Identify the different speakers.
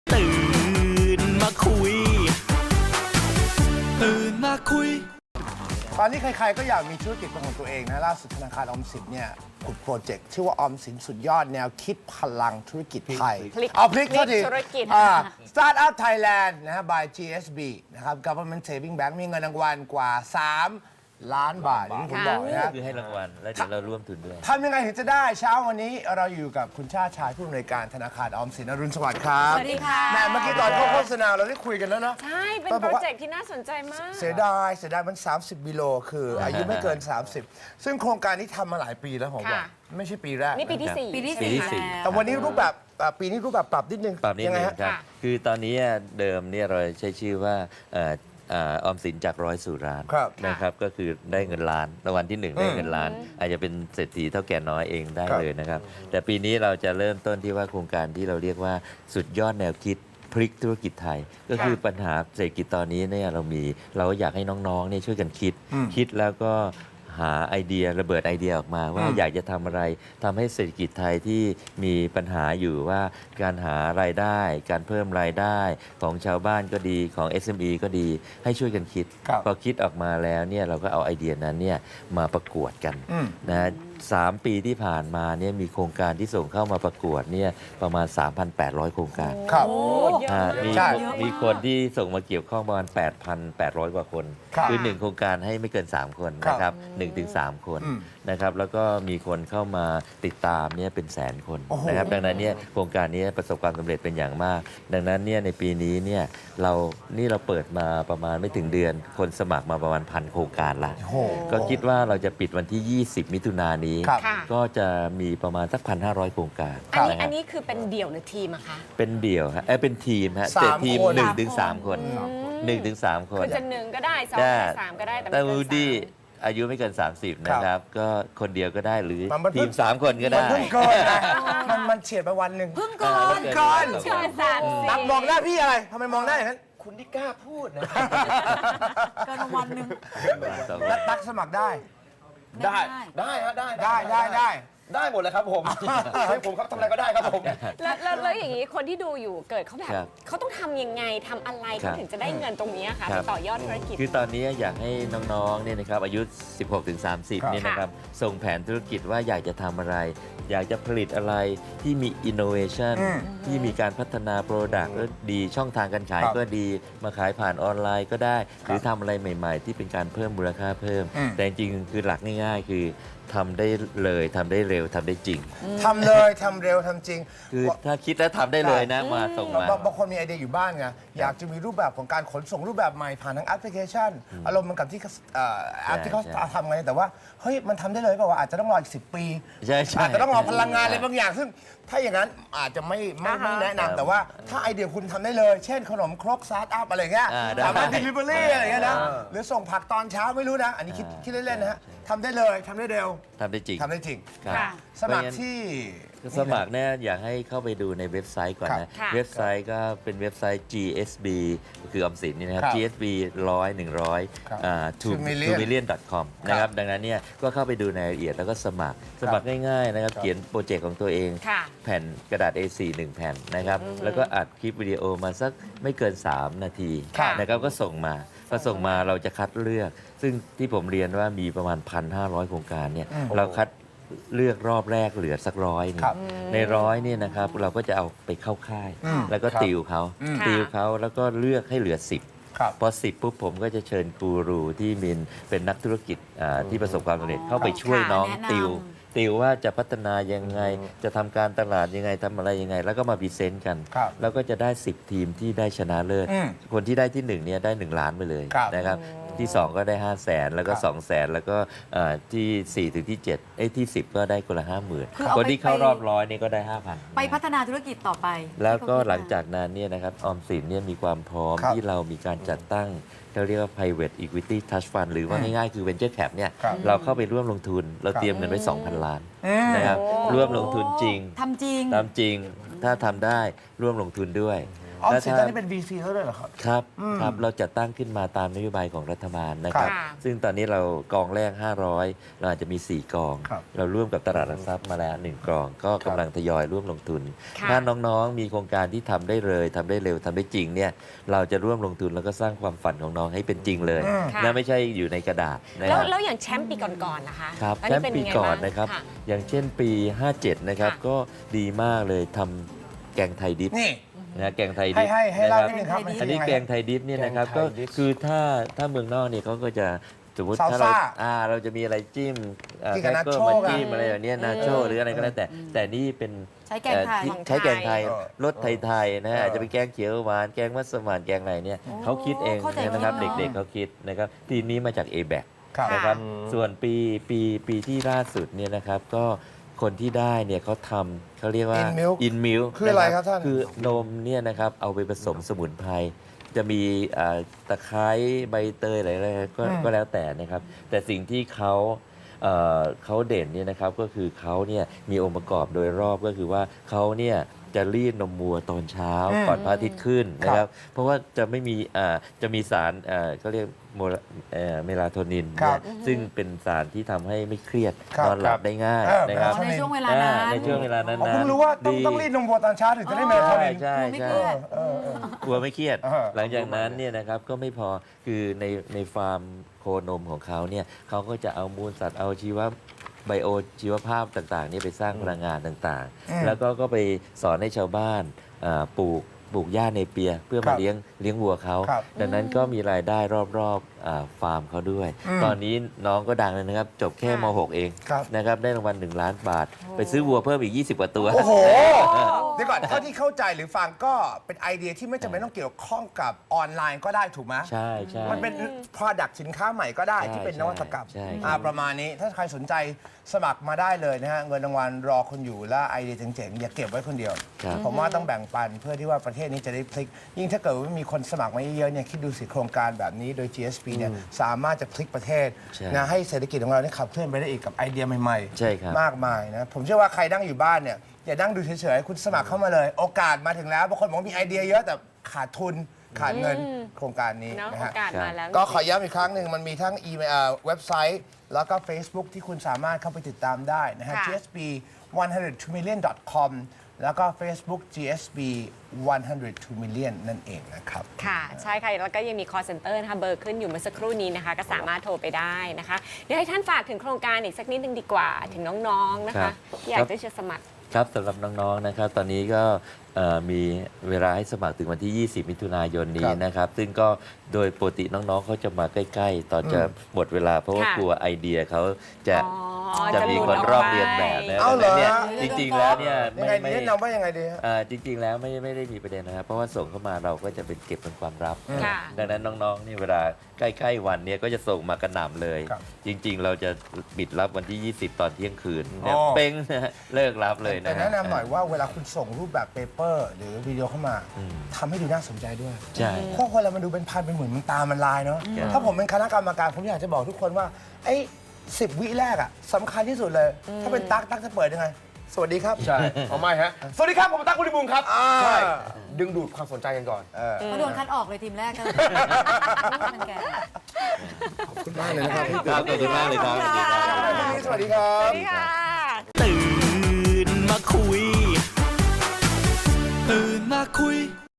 Speaker 1: ตื่นมาคุย
Speaker 2: ตอนนี้ใครๆก็อยากมีธุรกิจเป็นของตัวเองนะล่าสุดธนาคารออมสินเนี่ยขุดโปรเจกต์ชื่อว่าออมสินสุดยอดแนวคิดพลังธุรกิจไทย
Speaker 3: พลิก
Speaker 2: เอาพลิกเท่าที
Speaker 3: ธุรกิจ
Speaker 2: Startup Thailand นะฮะ by GSB นะครับ Government Saving Bank มีเงินรางวัลกว่า 3 ล้านบาทอย่างที่ผมบอกนะฮะ
Speaker 4: คือให้รางวัลแล้วเดี๋ยวเราร่วมทุนด้วย
Speaker 2: ทำยังไงถึงจะได้เช้าวันนี้เราอยู่กับคุณชาติชายผู้อำนวยการธนาคารออมสินอรุณสวัสดิ์ครับ
Speaker 3: สวัสดีค่ะ
Speaker 2: แม่เมื่อกี้ตอนเข้าโฆษณาเราได้คุยกันแล้วนะ
Speaker 3: ใช่ เป็นโปรเจกต์ที่น่าสนใจมาก
Speaker 2: เสียดายมัน 30 กิโลคืออายุไม่เกิน 30 ซึ่งโครงการนี้ทำมาหลายปีแล้วผมว่า
Speaker 3: ค่ะ
Speaker 2: ไม่ใช่ปีแรก
Speaker 3: นี่ปีที่
Speaker 4: ครับ
Speaker 3: 4
Speaker 4: ปีที่สี่
Speaker 2: แต่วันนี้รูปแบบปีนี้รูปแบบปรับนิดนึง
Speaker 4: ปรับนิด
Speaker 2: ยังไง
Speaker 4: นึง
Speaker 2: ฮะ
Speaker 4: ครับ
Speaker 3: ค่ะ
Speaker 4: คือตอนนี้เดิมเนี่ยเราใช้ชื่อว่าออมสินจากร้อยสู่ล้าน
Speaker 2: ครับ
Speaker 4: นะครับก็คือได้เงินล้านรางวัลที่ 1 ได้เงินล้าน อาจจะเป็นเศรษฐีเท่าแก่น้อยเองได้
Speaker 2: ครับ
Speaker 4: เลยนะครับ แต่ปีนี้เราจะเริ่มต้นที่ว่าโครงการที่เราเรียกว่าสุดยอดแนวคิดพลิกธุรกิจไทย ก็คือปัญหาเศรษฐกิจตอนนี้เนี่ยเราอยากให้น้องๆเนี่ยช่วยกันคิดแล้วก็หาไอเดียระเบิดไอเดียออกมาว่าอยากจะทำอะไรทำให้เศรษฐกิจไทยที่มีปัญหาอยู่ว่าการหารายได้ การเพิ่มรายได้ของชาวบ้านก็ดีของ SME ก็ดีให้ช่วยกันคิด
Speaker 2: ครับ
Speaker 4: พอคิดออกมาแล้วเนี่ยเราก็เอาไอเดียนั้นเนี่ยมาประกวดกัน
Speaker 2: อืม
Speaker 4: นะ3 ปีที่ผ่านมาเนี่ยมีโครงการที่ส่งเข้ามาประกวดเนี่ยประมาณ 3,800 โครงการ
Speaker 2: ครับ
Speaker 3: โอ้เยอะ
Speaker 4: มี
Speaker 2: ใช่
Speaker 4: มีคนที่ส่งมาเกี่ยวข้องประมาณ 8,800 กว่าคน
Speaker 2: ครับ
Speaker 4: คือ 1 โครงการให้ไม่เกิน 3 คนนะครับ1ถึง3 คน
Speaker 2: อืม
Speaker 4: นะครับแล้วก็มีคนเข้ามาติดตามเนี่ยเป็นแสนคน
Speaker 2: โอ้โห
Speaker 4: นะครับดังนั้นเนี่ยโครงการนี้ประสบความสำเร็จเป็นอย่างมาก ดังนั้นเนี่ยในปีนี้เนี่ยเราเปิดมาประมาณไม่ถึงเดือน คนสมัครมาประมาณ1,000 โครงการละ
Speaker 2: โอ้โห
Speaker 4: ก็คิดว่าเราจะปิดวันที่ 20 มิถุนายนนี้
Speaker 2: ครับ
Speaker 3: ค่ะ
Speaker 4: ก็จะมีประมาณสัก 1,500 โครงการ
Speaker 3: อันนี้
Speaker 4: ะ
Speaker 3: อั
Speaker 4: ฮะ
Speaker 3: นนี้คือเป็นเดี่ยวหรือทีมอะคะ
Speaker 4: เป็นเดี่ยวฮะเป็นทีมฮะ
Speaker 2: สาม
Speaker 4: แต่ทีม
Speaker 2: คน
Speaker 4: 1 ถึง 3 คน1 ถึง 3 คน
Speaker 3: คือจะ1ก็ได้2
Speaker 4: ได้
Speaker 3: ก็ได้3ก็ได้แต่
Speaker 4: แต่
Speaker 3: ไม่
Speaker 4: วู
Speaker 3: เกิน
Speaker 4: ดี้
Speaker 3: 3
Speaker 4: อายุไม่เกิน 30 นะครับ ก็คนเดียวก็ได้หรือ
Speaker 2: มันเพิ่
Speaker 4: ที
Speaker 2: ง
Speaker 4: ม 3 คนก็
Speaker 2: มัน
Speaker 4: ได้
Speaker 2: เพิ่งเกินนะมันเฉียดไปวันหนึ่ง
Speaker 4: เพิ่งก่อน
Speaker 2: เกิน
Speaker 3: เชิญสาม
Speaker 2: ตักมองหน้าพี่อะไรทำไมมองหน้าอย่างนั้น
Speaker 5: คุณที่กล้าพูดนะ
Speaker 6: เกินวันหนึ่ง
Speaker 2: แล้วตักสมัครได้
Speaker 5: ได้ได้ฮะได้ ได้หมดเลยครับผมให้ผมครับทำอะไรก็ได้ครับผม
Speaker 3: แล้วอย่างนี้คนที่ดูอยู่เกิดเขาแบบ
Speaker 4: ครับ
Speaker 3: เขาต้องทำยังไงทำอะไร
Speaker 4: ครั
Speaker 3: เขา
Speaker 4: บ
Speaker 3: ถึงจะได้เงินตรงนี้ค่ะ
Speaker 4: ครั
Speaker 3: ไป
Speaker 4: บ
Speaker 3: ต่อยอดธุรกิจ
Speaker 4: คือตอนนี้อยากให้น้องๆเนี่ยนะครับอายุ 16-30 เนี่ยนะครับส่งแผนธุรกิจว่าอยากจะทำอะไร อยากจะผลิตอะไรที่มี innovation ที่มีการพัฒนา Product ก็ดีช่องทางการขาย
Speaker 2: ครับ
Speaker 4: ก็ดีมาขายผ่านออนไลน์ก็ได้ หรือทำอะไรใหม่ๆ ที่เป็นการเพิ่มมูลค่าเพิ่ม แต่จริงๆคือหลักง่ายๆ คือทำได้เลยทำได้เร็วทำได้จริง
Speaker 2: ทำเลยทำเร็วทำจริง
Speaker 4: คือถ้าคิดแล้วทำได้เลยนะมาส่งมา
Speaker 2: บางคนมีไอเดียอยู่บ้านไงอยากจะมีรูปแบบของการขนส่งรูปแบบใหม่ผ่านทางแอปพลิเคชัน อารมณ์เหมันกับที่แอปที่เขา
Speaker 4: ใช่
Speaker 2: ทำไงแต่ว่าเฮ้ยมันทำได้เลยเปล่าวะอาจจะต้องรออีก10 ปี
Speaker 4: ใช่ใช่
Speaker 2: อาจจะต้องรอพลังงานอะไรบางอย่าง ซึ่งถ้าอย่างนั้นอาจจะไม่แนะนำแต่ว่าถ้าไอเดียคุณทำได้เลย เช่นขนมครกสตาร์ทอัพอะไรเงี้ย
Speaker 4: ได้
Speaker 2: สามารถ delivery อะไรเงี้ยนะหรือส่งผักตอนเช้าไม่รู้นะ อันนี้คิดเล่นๆนะฮะทำได้เลยทำได้เร็ว
Speaker 4: ทำได้จริง
Speaker 2: ทำได้จริง
Speaker 4: ครับ
Speaker 3: ค่ะ
Speaker 2: สมัครที่
Speaker 4: สมัครเนี่ยอยากให้เข้าไปดูในเว็บไซต์ก่อน
Speaker 2: ครับ
Speaker 4: นะ
Speaker 3: ค่ะ
Speaker 4: เว็บไซต์ก็เป็นเว็บไซต์ GSB คือออมสินนี่นะครับ
Speaker 2: ครับ
Speaker 4: GSB 100
Speaker 2: ครับ
Speaker 4: 100
Speaker 2: 2 million
Speaker 4: million.com นะครับดังนั้นเนี่ยก็เข้าไปดูในรายละเอียดแล้วก็สมัครง่ายๆนะครับเขียนโปรเจกต์ของตัวเอง
Speaker 3: ค่ะ
Speaker 4: แผ่นกระดาษ A4 1 แผ่นนะครับแล้วก็อัดคลิปวิดีโอมาสักไม่เกิน 3 นาที
Speaker 3: ค่ะ
Speaker 4: นะครับก็ส่งมาพอส่งมาเราจะคัดเลือก ซึ่งที่ผมเรียนว่ามีประมาณ 1,500 โครงการเนี่ยเราคัดเลือกรอบแรกเหลือสัก100นี่
Speaker 2: ครับ
Speaker 4: ใน100เนี่ยนะครับเราก็จะเอาไปเข้าค่าย แล้วก็
Speaker 2: ครับ
Speaker 4: ติวเขา
Speaker 3: ค่ะ
Speaker 4: ติวเขาแล้วก็เลือกให้เหลือ 10
Speaker 2: ครับ
Speaker 4: พอ 10 ปุ๊บผมก็จะเชิญกูรูที่เป็นนักธุรกิจที่ประสบความสำเร็จเข้าไปช่วยน้อง
Speaker 6: แนะนำ
Speaker 4: ติวว่าจะพัฒนายังไง จะทำการตลาดยังไงทำอะไรยังไง แล้วก็มาพรีเซนต์กัน
Speaker 2: ครับ
Speaker 4: แล้วก็จะได้ 10 ทีมที่ได้ชนะเลิศ
Speaker 2: อืม
Speaker 4: คนที่ได้ที่1เนี่ยได้ 1 ล้านไปเลย
Speaker 2: ครับ
Speaker 4: นะครับที่ 2 ก็ได้ 5 0 0 0 0นแล้วก็
Speaker 2: ครับ
Speaker 4: 2 0 0 0 0แล้วก็ที่ 4 ถึงที่7ที่ 10 ก็ได้คนละ
Speaker 6: คือ
Speaker 4: 50,000
Speaker 6: เอา
Speaker 4: คนที่เข้ารอบ
Speaker 6: ไป
Speaker 4: 100นี่ก็ได้ 5,000
Speaker 6: ไปพัฒนาธุรกิจต่อไป
Speaker 4: แล้วก็
Speaker 6: ที่เขคิดม
Speaker 4: หลังจากนั้นเนี่ยนะครับออมสินเนี่ยมีความพร้อม
Speaker 2: ครับ
Speaker 4: ที่เรามีการจัดตั้งเราเรียกว่า private equity trust fund หรือว่าง่ายๆคือ venture cap เนี่ย
Speaker 2: ครับ
Speaker 4: เราเข้าไปร่วมลงทุน เราเตรียมเงินไว้ 2,000 ล้านนะครับร่วมลงทุนจริง
Speaker 6: ทำจริง
Speaker 4: ตามจริงถ้าทำได้ร่วมลงทุนด้วย
Speaker 2: ออม
Speaker 4: และ
Speaker 2: สิน
Speaker 4: ถ้า
Speaker 2: ตอนนี้เป็น VC แล้วด้วยเหรอครับ
Speaker 4: ครับครับเราจัดตั้งขึ้นมาตามนโยบายของรัฐบาลนะครับ
Speaker 3: ค่ะ
Speaker 4: ซึ่งตอนนี้เรากองแรก 500 เราอาจจะมี 4 กอง
Speaker 2: ครับ
Speaker 4: เราร่วมกับตลาดหลักทรัพย์มาแล้ว 1 กอง ก็กำลังทยอยร่วมลงทุน
Speaker 3: ค่ะ
Speaker 4: ถ้าน้องๆมีโครงการที่ทำได้เลยทำได้เร็วทำได้จริงเนี่ยเราจะร่วมลงทุนแล้วก็สร้างความฝันของน้องให้เป็นจริงเลย
Speaker 3: ค่ะ
Speaker 4: นะไม่ใช่อยู่ในกระดาษนะ
Speaker 3: แล้
Speaker 4: คว รับ
Speaker 3: แล้วอย่างแชมป์ปีก่อนๆนะคะ
Speaker 4: ครับ
Speaker 3: อัน
Speaker 4: แช
Speaker 3: นี้
Speaker 4: ม
Speaker 3: เป็น
Speaker 4: ป์ปี
Speaker 3: ยังไง
Speaker 4: ก่อน
Speaker 3: บ้าง
Speaker 4: นะครับ
Speaker 3: ค่ะ
Speaker 4: อย่างเช่นปี 57 นะครับ
Speaker 3: ค่ะ
Speaker 4: ก็ดีมากเลยทำแกงไทยดิบ
Speaker 2: นี่
Speaker 4: นะแกงไทยดิบ
Speaker 2: ให้เล่า
Speaker 4: นะ
Speaker 2: นิด
Speaker 4: ครับ
Speaker 2: นึงครับ
Speaker 6: แกงไทยดิบ
Speaker 4: อันนี้แกงไทยดิบเนี่ยนะครับ
Speaker 2: แก
Speaker 4: ก็
Speaker 2: งไทยดิบ
Speaker 4: คือถ้าเมืองนอกเนี่ยเขาก็จะสมมติ
Speaker 2: ซาล
Speaker 4: ถ้าเรา
Speaker 2: ซ่า
Speaker 4: เราจะมีอะไรจิ้ม
Speaker 2: กินกับ
Speaker 4: แคร
Speaker 2: นา
Speaker 4: เกอ
Speaker 2: โช
Speaker 4: ร์มา
Speaker 2: กัน
Speaker 4: จิ้มอะไรแบบเนี้ยนาโชหรืออะไรก็แล้วแต่นี่เป็น
Speaker 6: ใช้แกงไทย
Speaker 4: ที่ใช้แกงไทย
Speaker 2: เออ
Speaker 4: รสไทยๆนะฮะอาจจะเป็นแกงเขียวหวานแกงมัสมั่นแกงอะไรเนี่ย
Speaker 6: โอ้
Speaker 4: เขาคิดเอง
Speaker 6: เข้าใจ
Speaker 4: นะครับ
Speaker 6: คิดเนอะ
Speaker 4: เด็กๆเขาคิดนะครับทีมนี้มาจาก A-BAC
Speaker 2: ครับ
Speaker 4: นะครับ
Speaker 5: อืม
Speaker 4: ส่วนปีที่ล่าสุดเนี่ยนะครับก็คนที่ได้เนี่ยเขาทำเขาเรียกว่า
Speaker 2: In milk
Speaker 4: in milk
Speaker 2: คืออะไรครับท่าน
Speaker 4: คือนมเนี่ยนะครับเอาไปผสมสมุนไพรจะมีตะไคร้ใบเตยอะไรก็แล้วแต่นะครับ แต่สิ่งที่เขาเด่นเนี่ยนะครับก็คือเขาเนี่ยมีองค์ประกอบโดยรอบก็คือว่าเขาเนี่ยจะรีดนมวัวตอนเช้าก่อนพระอาทิตย์ขึ้นนะครับ เพราะว่าจะไม่มีจะมีสารเขาเรียกเมลาโทนิน
Speaker 2: ครับ
Speaker 4: เนี่ยซึ่งเป็นสารที่ทำให้ไม่เครียด
Speaker 2: ครับ
Speaker 4: นอนหลับได้ง่าย
Speaker 2: เออ
Speaker 4: นะครับ
Speaker 6: อ๋อในช่วงเวลานั้น
Speaker 4: ในช่วงเวลานั้น
Speaker 2: ผมเพิ่งรู้ว่าต้องรีดนมวัวตอนเช้าถึงจะได้เมลาโท
Speaker 4: ใช่
Speaker 2: นิน
Speaker 4: ใช่
Speaker 6: ไม่
Speaker 4: ใช่
Speaker 6: เครียด
Speaker 4: กลัวไม่เครียด
Speaker 2: เออ
Speaker 4: หลังจากนั้นเนี่ยนะครับก็ไม่พอคือในฟาร์มโคนมของเขาเนี่ยเขาก็จะเอามูลสัตว์เอาไบโอชีวภาพต่างๆเนี่ยไปสร้างพลังงานต่าง
Speaker 2: อืม
Speaker 4: ๆ แล้วก็ไปสอนให้ชาวบ้านปลูกหญ้าเนเปียเพื่อ
Speaker 2: ครั
Speaker 4: มา
Speaker 2: บ
Speaker 4: เลี้ยงวัวเขา
Speaker 2: ครับ
Speaker 4: ดังนั้นก็มีรายได้รอบฟาร์มเขาด้วย
Speaker 2: อืม
Speaker 4: ตอนนี้น้องก็ดังเลยนะครับ จบแค่ม .6 เอง
Speaker 2: ครับ
Speaker 4: นะครับได้รางวัล1 ล้านบาท ไปซื้อวัวเพิ่มอีก 20 กว่าตัว
Speaker 2: โอ้โห เดี๋ยวก่อนเท่าที่เข้าใจหรือฟังก็เป็นไอเดียที่ไม่จำเป็นต้องเกี่ยวข้องกับออนไลน์ก็ได้ถูกไหม
Speaker 4: ใช่ใช่
Speaker 2: มันเป็น product สินค้าใหม่ก็ได้
Speaker 4: ใช่
Speaker 2: ที่เป็นนวัตกรรม
Speaker 4: ใช่ครับ
Speaker 2: ประมาณนี้ถ้าใครสนใจสมัครมาได้เลยนะฮะ เงินรางวัลรอคุณอยู่และไอเดียเจ๋งๆ อย่าเก็บไว้คนเดียว
Speaker 4: ครับ
Speaker 2: ผมว่าต้องแบ่งปันเพื่อที่ว่าประเทศนี้จะได้พลิก ยิ่งถ้าเกิดว่ามีคนสมัครมาเยอะๆเนี่ยคิดดูสิโครงการแบบนี้โดย GSP เนี่ยสามารถจะพลิกประเทศ
Speaker 4: ใช่
Speaker 2: นะให้เศรษฐกิจของเราเนี่ยขับเคลื่อนไปได้อีกกับไอเดียใหม่
Speaker 4: ใช่ครับ
Speaker 2: มากมายนะผมเชื่อว่าใครนั่งอยู่บ้านเนี่ยอย่านั่งดูเฉยๆคุณสมัครเข้ามาเลย โอกาสมาถึงแล้วบางคนบอกว่ามีไอเดียเยอะแต่ขาดทุนขาดเงินโครงการนี้
Speaker 3: เนาะ
Speaker 2: นะ
Speaker 3: โอ
Speaker 2: ฮะ
Speaker 3: กาสมาแล้ว
Speaker 2: ก็ขอย้ำอีกครั้งหนึ่งมันมีทั้งอีเมลเว็บไซต์ แล้วก็ Facebook ที่คุณสามารถเข้าไปติดตามได้นะฮะ
Speaker 3: ค่ะ
Speaker 2: GSB 102 million.com แล้วก็ Facebook GSB 102 million นั่นเองนะครับ
Speaker 3: ค่ะ ใช่ค่ะ แล้วก็ยังมี call center นะคะเบอร์ขึ้นอยู่เมื่อสักครู่นี้นะคะ ก็สามารถโทรไปได้นะคะ เดี๋ยวให้ท่านฝากถึงโครงการอีกสักนิดนึงดีกว่า ถึงน้องๆ นะ
Speaker 4: ครั
Speaker 3: คะ
Speaker 4: บ
Speaker 3: ที่อยากจะสมัคร
Speaker 4: ครับสำหรับน้องๆนะครับตอนนี้ก็มีเวลาให้สมัครถึงวันที่ 20 มิถุนายนนี้
Speaker 2: ครับ
Speaker 4: นะครับ ซึ่งก็โดยปกติน้องๆเขาจะมาใกล้ๆ ตอนจะหมดเวลาเพราะว่า
Speaker 3: ค่ะ
Speaker 4: กลัวไอเดียเขาจะ
Speaker 3: อ๋อ
Speaker 4: จะมี
Speaker 3: ห
Speaker 4: ค
Speaker 3: ลุ
Speaker 4: น
Speaker 3: ด
Speaker 4: รอบ
Speaker 3: ไป
Speaker 4: เรียนแบบนะ
Speaker 2: เอาเหรอ
Speaker 4: ดังนั้นเนี่ยจริงๆแล้วเนี่ย
Speaker 2: ยังไงดี
Speaker 4: ไม่
Speaker 2: แนะนำว่ายังไงดีฮะ
Speaker 4: จริงๆแล้วไม่ได้มีประเด็นนะครับ เพราะว่าส่งเข้ามาเราก็จะเป็นเก็บเป็นความลับ
Speaker 3: ค่ะ
Speaker 4: ดังนั้นน้องๆนี่เวลาใกล้ๆวันเนี้ยก็จะส่งมากระหน่ำเลย
Speaker 2: ครับ
Speaker 4: จริงๆ เราจะปิดรับวันที่ 20 ตอนเที่ยงคืนเนี่ย
Speaker 2: อ๋อ
Speaker 4: เป้งนะฮะเลิกรับเลย
Speaker 2: แต่
Speaker 4: นะฮะ
Speaker 2: แนะนำหน่อยว่าเวลาคุณส่งรูปแบบเปเปอร์ หรือวิดีโอเข้ามาทำให้ดูน่าสนใจด้วย
Speaker 4: ใช่
Speaker 2: เพราะคนเรามันดูเป็นพันเป็นหมื่นมันตามันลายเนาะ
Speaker 4: ครับ
Speaker 2: ถ้าผมเป็นคณะกรรมการผมอยากจะบอกทุกคนว่าไอ้10 วิแรกอะสำคัญที่สุดเลย ถ้าเป็นตั๊กจะเปิดยังไง สวัสดีครับ
Speaker 5: ใช่เอาไม่ฮะ สวัสดีครับ ผมตั๊กคุณดิบุงครับ
Speaker 2: อ่า
Speaker 5: ใช่ ดึงดูดความสนใจกันก่อน
Speaker 6: เขาโดนคัดออกเลยทีมแรกก็เลยเป็นแก
Speaker 2: ขอบคุณมากเลยนะครับที่
Speaker 4: ครับขอบคุณมากเลยครับ
Speaker 2: สวัสดีครับ
Speaker 3: สวัสดีค่ะ
Speaker 1: ตื่นมาคุย ตื่นมาคุย